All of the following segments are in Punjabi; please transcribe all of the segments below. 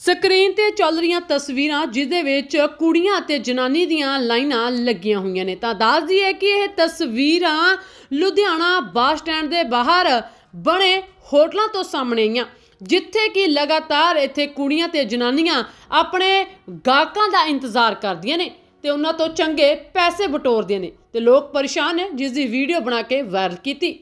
ਸਕਰੀਨ ਤੇ ਚੱਲ ਰਹੀਆਂ ਤਸਵੀਰਾਂ ਜਿਦੇ ਵਿੱਚ ਕੁੜੀਆਂ ਤੇ ਜਨਾਨੀ ਦੀਆਂ ਲਾਈਨਾਂ ਲੱਗੀਆਂ ਹੋਈਆਂ ਨੇ ਤਾਂ ਦੱਸ ਦਈਏ ਕਿ ਇਹ ਤਸਵੀਰਾਂ ਲੁਧਿਆਣਾ ਬੱਸ ਸਟੈਂਡ ਦੇ ਬਾਹਰ ਬਣੇ ਹੋਟਲਾਂ ਤੋਂ ਸਾਹਮਣੇ ਆਈਆਂ ਜਿੱਥੇ ਕਿ ਲਗਾਤਾਰ ਇੱਥੇ ਕੁੜੀਆਂ ਤੇ ਜਨਾਨੀਆਂ ਆਪਣੇ ਗਾਹਕਾਂ ਦਾ ਇੰਤਜ਼ਾਰ ਕਰਦੀਆਂ ਨੇ ਤੇ ਉਹਨਾਂ ਤੋਂ ਚੰਗੇ ਪੈਸੇ ਬਟੋਰਦੀਆਂ ਨੇ ਤੇ ਲੋਕ ਪਰੇਸ਼ਾਨ ਨੇ ਜਿਸ ਦੀ ਵੀਡੀਓ ਬਣਾ ਕੇ ਵਾਇਰਲ ਕੀਤੀ।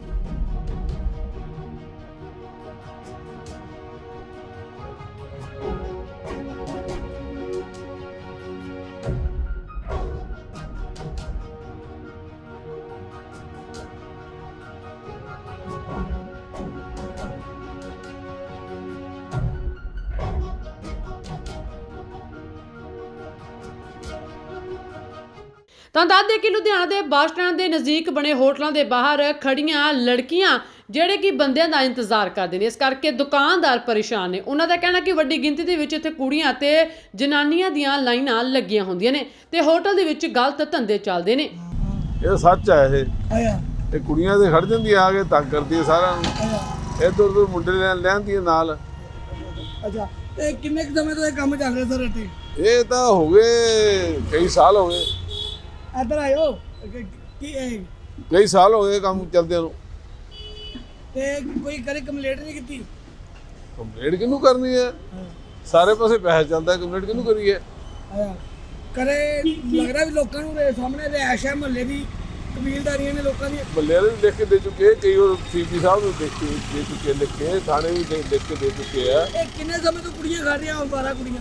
ਤਾਂ ਦੱਸਦੇ ਕਿ ਲੁਧਿਆਣਾ ਦੇ ਬੱਸ ਸਟੈਂਡ ਦੇ ਨਜ਼ਦੀਕ ਬਣੇ ਹੋਟਲਾਂ ਦੇ ਬਾਹਰ ਖੜੀਆਂ ਲੜਕੀਆਂ ਜਿਹੜੇ ਕਿ ਬੰਦਿਆਂ ਦਾ ਇੰਤਜ਼ਾਰ ਕਰਦੇ ਨੇ ਇਸ ਕਰਕੇ ਦੁਕਾਨਦਾਰ ਪਰੇਸ਼ਾਨ ਨੇ। ਉਹਨਾਂ ਦਾ ਕਹਿਣਾ ਕਿ ਵੱਡੀ ਗਿਣਤੀ ਦੇ ਵਿੱਚ ਇੱਥੇ ਕੁੜੀਆਂ ਤੇ ਜਨਾਨੀਆਂ ਦੀਆਂ ਲਾਈਨਾਂ ਲੱਗੀਆਂ ਹੁੰਦੀਆਂ ਨੇ ਤੇ ਹੋਟਲ ਦੇ ਵਿੱਚ ਗਲਤ ਧੰਦੇ ਚੱਲਦੇ ਨੇ। ਇਹ ਸੱਚ ਹੈ। ਇਹ ਕੁੜੀਆਂ ਦੇ ਖੜ ਜਾਂਦੀ ਆ ਕੇ ਤੰਗ ਕਰਦੀ ਸਾਰਾ ਇੱਧਰ ਉੱਧਰ ਮੁੰਡੇ ਲੈਂਦੀ ਨਾਲ। ਅੱਛਾ ਇਹ ਕਿੰਨੇ ਕੁ ਸਮੇਂ ਤੋਂ ਇਹ ਕੰਮ ਚੱਲ ਰਿਹਾ ਸਰ ਇੱਥੇ? ਇਹ ਤਾਂ ਹੋ ਗਏ ਕਈ ਸਾਲ ਹੋ ਗਏ। ਇੱਧਰ ਆਇਓ ਕੀ ਕਈ ਸਾਲ ਹੋ ਗਏ ਕੰਮ ਚੱਲਦਿਆਂ ਨੂੰ। ਤੇ ਕੋਈ ਕਦੇ ਕੰਪਲੇਂਟ ਨਹੀਂ ਕੀਤੀ? ਕੰਪਲੇਂਟ ਕਿਹਨੂੰ ਕਰਨੀ ਹੈ? ਸਾਰੇ ਪਾਸੇ ਪੈਸਾ ਚੱਲਦਾ, ਕੰਪਲੇਂਟ ਕਿਹਨੂੰ ਕਰੀਏ? ਕਦੇ ਲੱਗ ਰਿਹਾ ਵੀ ਲੋਕਾਂ ਨੂੰ ਸਾਹਮਣੇ ਰਿਹਾਇਸ਼ ਹੈ ਮੁਹੱਲੇ ਦੀ ਕਬੀਲਦਾਰੀਆਂ ਨੇ ਲੋਕਾਂ ਦੀ ਮੱਲੇ ਵਾਲੇ ਵੀ ਲਿਖ ਕੇ ਦੇ ਚੁੱਕੇ, ਕਈ ਵਾਰ ਸੀਪੀ ਸਾਹਿਬ ਨੂੰ ਦੇ ਚੁੱਕੇ ਲਿਖ ਕੇ, ਥਾਣੇ ਵੀ ਲਿਖ ਕੇ ਦੇ ਚੁੱਕੇ ਆ। ਇਹ ਕਿੰਨੇ ਸਮੇਂ ਤੋਂ ਕੁੜੀਆਂ ਖਾ ਰਹੀਆਂ ਹੁਣ 12 ਕੁੜੀਆਂ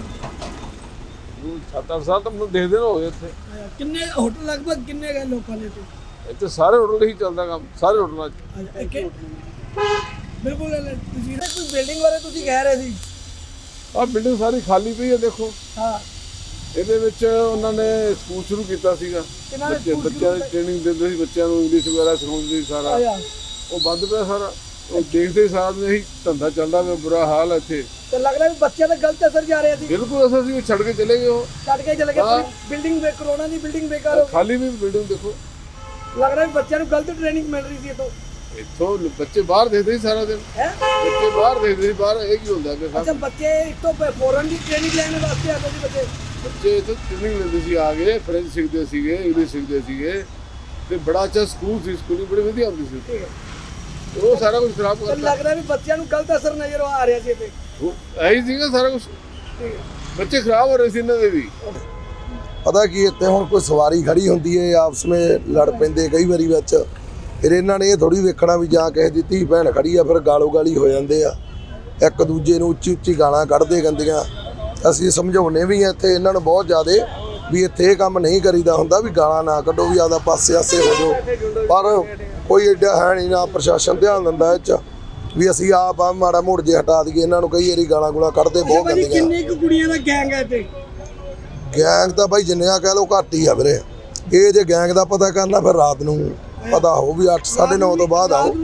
7-8 ਸਾਲ ਤਾਂ ਮੈਨੂੰ ਦੇਖਦੇ ਨਾ ਹੋ ਗਏ ਇੱਥੇ। ਕਿੰਨੇ ਹੋਟਲ ਲਗਭਗ ਕਿੰਨੇ ਗਏ ਲੋਕਾਂ ਦੇ ਇੱਥੇ ਸਾਰੇ ਹੋਟਲ ਹੀ ਚੱਲਦਾ ਕੰਮ, ਸਾਰੇ ਹੋਟਲਾਂ 'ਚ। ਬਿਲਕੁਲ ਤੁਸੀਂ ਕੋਈ ਬਿਲਡਿੰਗ ਬਾਰੇ ਤੁਸੀਂ ਕਹਿ ਰਹੇ ਸੀ? ਆਹ ਬਿਲਡਿੰਗ ਸਾਰੀ ਖਾਲੀ ਪਈ ਹੈ ਦੇਖੋ। ਹਾਂ ਇਹਦੇ ਵਿੱਚ ਉਹਨਾਂ ਨੇ ਸਕੂਲ ਸ਼ੁਰੂ ਕੀਤਾ ਸੀਗਾ, ਬੱਚਿਆਂ ਦੀ ਟ੍ਰੇਨਿੰਗ ਦਿੰਦੇ ਸੀ, ਬੱਚਿਆਂ ਨੂੰ ਇੰਗਲਿਸ਼ ਵਗੈਰਾ ਸਿਖਾਉਂਦੇ ਸੀ ਸਾਰਾ। ਉਹ ਬੰਦ ਪਿਆ ਸਾਰਾ। ਉਹ ਦੇਖਦੇ ਸਾਰ ਨੇ ਇਹੀ ਧੰਦਾ ਚੱਲਦਾ ਪਿਆ, ਬੁਰਾ ਹਾਲ ਹੈ ਇੱਥੇ। ਤੇ ਲੱਗ ਰਿਹਾ ਵੀ ਬੱਚਿਆਂ ਤੇ ਗਲਤ ਅਸਰ ਜਾ ਰਿਹਾ ਸੀ। ਬਿਲਕੁਲ ਅਸੀਂ ਛੱਡ ਕੇ ਚਲੇ ਗਏ। ਉਹ ਛੱਡ ਕੇ ਚਲੇ ਗਏ। ਬਿਲਡਿੰਗ ਕਰੋਨਾ ਦੀ ਬਿਲਡਿੰਗ ਬੇਕਾਰ ਹੋ ਗਈ। ਖਾਲੀ ਵੀ ਬਿਲਡਿੰਗ ਦੇਖੋ। ਲੱਗ ਰਿਹਾ ਵੀ ਬੱਚਿਆਂ ਨੂੰ ਗਲਤ ਟ੍ਰੇਨਿੰਗ ਮਿਲ ਰਹੀ ਸੀ ਇੱਥੋਂ ਬੱਚੇ ਬਾਹਰ ਦੇਖਦੇ ਸੀ ਸਾਰਾ ਦਿਨ। ਬੱਚੇ ਬਾਹਰ ਦੇਖਦੇ ਸੀ, ਬਾਹਰ ਇਹ ਕੀ ਹੁੰਦਾ ਪਿਆ? ਅੱਛਾ ਬੱਚੇ ਇੱਥੋਂ ਫੋਰਨ ਦੀ ਟ੍ਰੇਨਿੰਗ ਲੈਣ ਵਾਸਤੇ ਆਉਂਦੇ ਸੀ ਬੱਚੇ ਇੱਥੋਂ ਟ੍ਰੇਨਿੰਗ ਲੈਂਦੇ ਸੀ, ਆ ਗਏ ਫ੍ਰੈਂਚ ਸਿੱਖਦੇ ਸੀਗੇ, ਇੰਗਲਿਸ਼ ਸਿੱਖਦੇ ਸੀਗੇ ਤੇ ਬੜਾ ਅੱਛਾ ਸਕੂਲ ਸੀ, ਸਕੂਲ ਬੜੀ ਵਧੀਆ ਹੁੰਦੀ ਸੀ। ਉਹ ਸਾਰਾ ਕੁਝ ਖਰਾਬ ਕਰਤਾ। ਲੱਗ ਰਿਹਾ ਵੀ ਬੱਚਿਆਂ ਨੂੰ ਗਲਤ ਅਸਰ ਨਜ਼ਰ ਆ ਰਿਹਾ ਸੀ ਇੱਥੇ। ਇਹੀ ਸੀਗਾ ਸਾਰਾ ਕੁਝ। ਬੱਚੇ ਖਰਾਬ ਹੋ ਰਹੇ ਸੀ ਇਹਨਾਂ ਦੇ ਵੀ। ਪਤਾ ਕੀ ਇੱਥੇ ਹੁਣ ਕੋਈ ਸਵਾਰੀ ਖੜੀ ਹੁੰਦੀ ਹੈ, ਆਪਸ ਵਿੱਚ ਲੜ ਪੈਂਦੇ ਕਈ ਵਾਰੀ ਵਿੱਚ। ਫਿਰ ਇਹਨਾਂ ਨੇ ਇਹ ਥੋੜੀ ਵੇਖਣਾ ਵੀ ਜਾਂ ਕਿਸੇ ਦੀ ਧੀ ਭੈਣ ਖੜੀ ਆ ਫਿਰ ਗਾਲੋ ਗਾਲੀ ਹੋ ਜਾਂਦੇ ਆ, ਇੱਕ ਦੂਜੇ ਨੂੰ ਉੱਚੀ ਉੱਚੀ ਗਾਲਾਂ ਕੱਢਦੇ ਗੰਦੀਆਂ। ਅਸੀਂ ਸਮਝਾਉਨੇ ਵੀ ਆ ਇੱਥੇ ਇਹਨਾਂ ਨੂੰ ਬਹੁਤ ਜ਼ਿਆਦੇ ਵੀ ਇੱਥੇ ਇਹ ਕੰਮ ਨਹੀਂ ਕਰੀਦਾ ਹੁੰਦਾ, ਵੀ ਗਾਲਾਂ ਨਾ ਕੱਢੋ, ਵੀ ਆਦਾ ਪਾਸੇ ਆਸੇ ਹੋ ਜਾਓ। ਪਰ ਕੋਈ ਐਡਾ ਹੈ ਨਹੀਂ, ਨਾ ਪ੍ਰਸ਼ਾਸਨ ਧਿਆਨ ਦਿੰਦਾ ਇਹ 'ਚ ਵੀ ਅਸੀਂ ਆਪ ਆ ਮਾੜਾ ਮੋੜ ਜੇ ਹਟਾ ਦਈਏ ਇਹਨਾਂ ਨੂੰ। ਕਈ ਵਾਰੀ ਗਾਲਾਂ ਗੂਲਾਂ ਕੱਢਦੇ ਬਹੁਤ ਗੰਦੀਆਂ। ਕਿੰਨੇ ਕੁ ਕੁੜੀਆਂ ਦਾ ਗੈਂਗ ਹੈ ਇੱਥੇ? ਗੈਂਗ ਤਾਂ ਬਾਈ ਜਿੰਨਿਆਂ ਕਹਿ ਲਓ ਘੱਟ ਹੀ ਆ ਵੀਰੇ। ਇਹ ਜੇ ਗੈਂਗ ਦਾ ਪਤਾ ਕਰਨਾ ਫਿਰ ਰਾਤ ਨੂੰ ਪਤਾ ਹੋ ਵੀ 8-9:30 ਤੋਂ ਬਾਅਦ ਆਓ।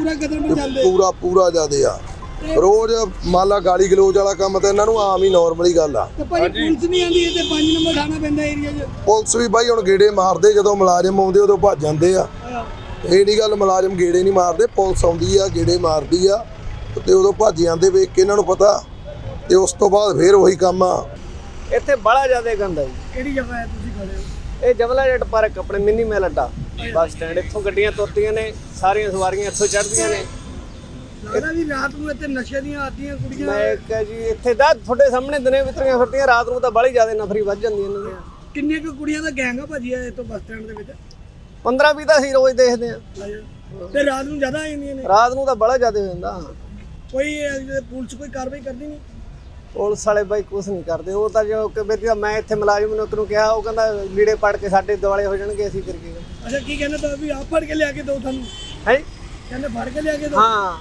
ਪੂਰਾ ਜ਼ਿਆਦੇ ਆ। ਰੋਜ਼ ਮੰਨ ਲਾ ਗਾਲੀ ਗਲੋਚ ਵਾਲਾ ਕੰਮ ਤਾਂ ਇਹਨਾਂ ਨੂੰ ਆਮ ਹੀ ਨਾਰਮਲੀ ਗੱਲ ਆ। ਪੁਲਿਸ ਨਹੀਂ ਆਉਂਦੀ ਤੇ 5 ਨੰਬਰ ਥਾਣਾ ਪੈਂਦਾ ਏਰੀਆ 'ਚ। ਪੁਲਿਸ ਵੀ ਬਾਈ ਹੁਣ ਗੇੜੇ ਮਾਰਦੇ, ਜਦੋਂ ਮੁਲਾਜ਼ਮ ਆਉਂਦੇ ਉਦੋਂ ਭੱਜ ਜਾਂਦੇ ਆ। ਇਹ ਨਹੀਂ ਗੱਲ ਮੁਲਾਜ਼ਮ ਗੇੜੇ ਨਹੀਂ ਮਾਰਦੇ, ਪੁਲਿਸ ਆਉਂਦੀ ਆ ਗੇੜੇ ਮਾਰਦੀ ਆ ਤੇ ਉਦੋਂ ਭੱਜ ਜਾਂਦੇ ਵੇਖ ਕੇ ਇਹਨਾਂ ਨੂੰ ਪਤਾ। ਤੇ ਉਸ ਤੋਂ ਬਾਅਦ ਫਿਰ ਉਹੀ ਕੰਮ ਆ। ਇੱਥੇ ਬੜਾ ਜ਼ਿਆਦਾ ਗੰਦਾ ਜੀ। ਕਿਹੜੀ ਜਗ੍ਹਾ ਹੈ ਤੁਸੀਂ ਖੜੇ ਹੋ? ਇਹ ਜਮਲਾ ਜੱਟ ਪਾਰਕ ਆਪਣੇ ਮਿੰਨੀ ਮੈਲ ਅੱਡਾ ਬੱਸ ਸਟੈਂਡ। ਇੱਥੋਂ ਗੱਡੀਆਂ ਤੁਰਦੀਆਂ ਨੇ, ਸਾਰੀਆਂ ਸਵਾਰੀਆਂ ਇੱਥੋਂ ਚੜ੍ਹਦੀਆਂ ਨੇ। ਲੱਗਦਾ ਵੀ ਰਾਤ ਨੂੰ ਇੱਥੇ ਨਸ਼ੇ ਦੀਆਂ ਆਦੀਆਂ ਕੁੜੀਆਂ। ਮੈਂ ਕਿਹਾ ਜੀ ਇੱਥੇ ਦਾ ਤੁਹਾਡੇ ਸਾਹਮਣੇ ਦਿਨੇ ਵਿਤਰੀਆਂ ਫਿਰਦੀਆਂ, ਰਾਤ ਨੂੰ ਤਾਂ ਬੜੀ ਜ਼ਿਆਦਾ ਨਫਰੀ ਵੱਧ ਜਾਂਦੀ ਇਹਨਾਂ ਦੀ। ਕਿੰਨੇ ਕੁ ਕੁੜੀਆਂ ਦਾ ਗੈਂਗ ਆ ਭਾਜੀ ਇੱਥੋਂ ਬੱਸ ਸਟੈਂਡ ਦੇ ਵਿੱਚ? 15-20 ਤਾਂ ਅਸੀਂ ਰੋਜ਼ ਦੇਖਦੇ ਆ। ਤੇ ਰਾਤ ਨੂੰ ਜ਼ਿਆਦਾ ਆ ਜਾਂਦੀਆਂ ਨੇ? ਰਾਤ ਨੂੰ ਤਾਂ ਬੜਾ ਜ਼ਿਆਦਾ ਹੋ ਜਾਂਦਾ। ਕੋਈ ਪੁਲਿਸ ਕੋਈ ਕਾਰਵਾਈ ਕਰਦੀ ਨਹੀਂ? ਪੁਲਿਸ ਵਾਲੇ ਬਾਈ ਕੁਛ ਨਹੀਂ ਕਰਦੇ। ਉਹ ਤਾਂ ਜੋ ਕਿ ਮੈਂ ਇੱਥੇ ਮੁਲਾਜ਼ਮ ਨੂੰ ਕਿਹਾ, ਉਹ ਕਹਿੰਦਾ ਲੀੜੇ ਪੜ ਕੇ ਸਾਡੇ ਦੁਆਲੇ ਹੋ ਜਾਣਗੇ, ਅਸੀਂ ਫਿਰ ਕੀ। ਅੱਛਾ ਕੀ ਕਹਿੰਦੇ ਤਾਂ ਵੀ ਆਪ ਫੜ ਕੇ ਲਿਆ ਕੇ ਦਿਓ ਤੁਹਾਨੂੰ? ਹੈ ਕਹਿੰਦੇ ਫੜ ਕੇ ਲਿਆ ਕੇ ਦਿਓ? ਹਾਂ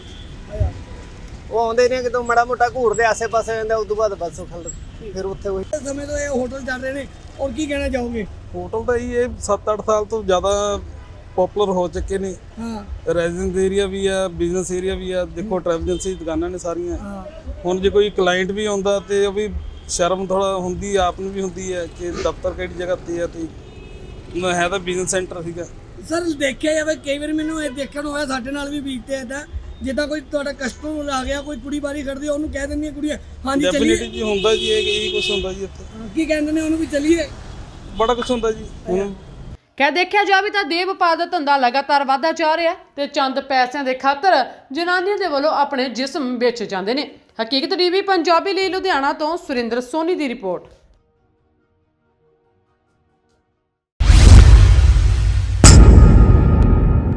ਉਹ ਆਉਂਦੇ ਨੇ ਕਿਤੋਂ ਮਾੜਾ ਮੋਟਾ ਘੂਰਦੇ ਆਸੇ ਪਾਸੇ ਜਾਂਦੇ, ਉਸ ਤੋਂ ਬਾਅਦ ਬਸ ਫਿਰ ਉੱਥੇ ਉਹੀ ਸਮੇਂ ਤੋਂ ਇਹ ਹੋਟਲ ਚੱਲ ਰਹੇ ਨੇ। ਔਰ ਕੀ ਕਹਿਣਾ ਚਾਹੋਗੇ? ਹੋਟਲ ਤਾਂ ਇਹ 7-8 ਸਾਲ ਤੋਂ ਜ਼ਿਆਦਾ ਪਪੂਲਰ ਹੋ ਚੁੱਕੇ ਨੇ। ਹਾਂ ਰੈਜ਼ੀਡੈਂਸ ਏਰੀਆ ਵੀ ਆ, ਬਿਜ਼ਨਸ ਏਰੀਆ ਵੀ ਆ। ਦੇਖੋ ਟ੍ਰੈਵਲਜੈਂਸੀ ਦੁਕਾਨਾਂ ਨੇ ਸਾਰੀਆਂ। ਹੁਣ ਜੇ ਕੋਈ ਕਲਾਇੰਟ ਵੀ ਆਉਂਦਾ ਤੇ ਉਹ ਵੀ ਸ਼ਰਮ ਥੋੜਾ ਹੁੰਦੀ, ਆਪ ਨੂੰ ਵੀ ਹੁੰਦੀ ਹੈ ਕਿ ਦਫ਼ਤਰ ਕਿਹੜੀ ਜਗ੍ਹਾ ਤੇ ਆ। ਤੇ ਹੈ ਤਾਂ ਬਿਜ਼ਨਸ ਸੈਂਟਰ ਸੀਗਾ। ਸਰ ਦੇਖਿਆ ਜਾਵੇ ਕਈ ਵਾਰ ਮੈਨੂੰ ਇਹ ਦੇਖਣ ਨੂੰ ਹੋਇਆ, ਸਾਡੇ ਨਾਲ ਵੀ ਬੀਤਦੇ ਇੱਦਾਂ ਜਿੱਦਾਂ ਕੋਈ ਤੁਹਾਡਾ ਕਸਟਮਰ ਆ ਗਿਆ, ਕੋਈ ਕੁੜੀ ਬਾਰੀ ਖੜਦੀ ਆ, ਉਹਨੂੰ ਕਹਿ ਦਿੰਦੀਆਂ ਕੁੜੀਆਂ ਹਾਂਜੀ ਡੈਫੀਨਿਟਲੀ ਚੱਲੀਏ। ਜੀ ਹੁੰਦਾ ਜੀ, ਇਹ ਕੁਝ ਹੁੰਦਾ ਜੀ ਇੱਥੇ, ਕੀ ਕਹਿੰਦੇ ਨੇ ਉਹਨੂੰ ਵੀ ਚੱਲੀਏ? ਬੜਾ ਕੁਝ ਹੁੰਦਾ ਜੀ। ਹੁਣ ਕਹਿ ਦੇਖਿਆ ਜਾਵੇ ਤਾਂ ਦੇਹ ਵਪਾਰ ਦਾ ਧੰਦਾ ਲਗਾਤਾਰ ਵਧਦਾ ਜਾ ਰਿਹਾ ਤੇ ਚੰਦ ਪੈਸਿਆਂ ਦੇ ਖਾਤਰ ਜਨਾਨੀਆਂ ਦੇ ਵੱਲੋਂ ਆਪਣੇ ਜਿਸਮ ਵੇਚੇ ਜਾਂਦੇ ਨੇ। ਹਕੀਕਤ ਟੀਵੀ ਪੰਜਾਬੀ ਲਈ ਲੁਧਿਆਣਾ ਤੋਂ ਸੁਰਿੰਦਰ ਸੋਨੀ ਦੀ ਰਿਪੋਰਟ।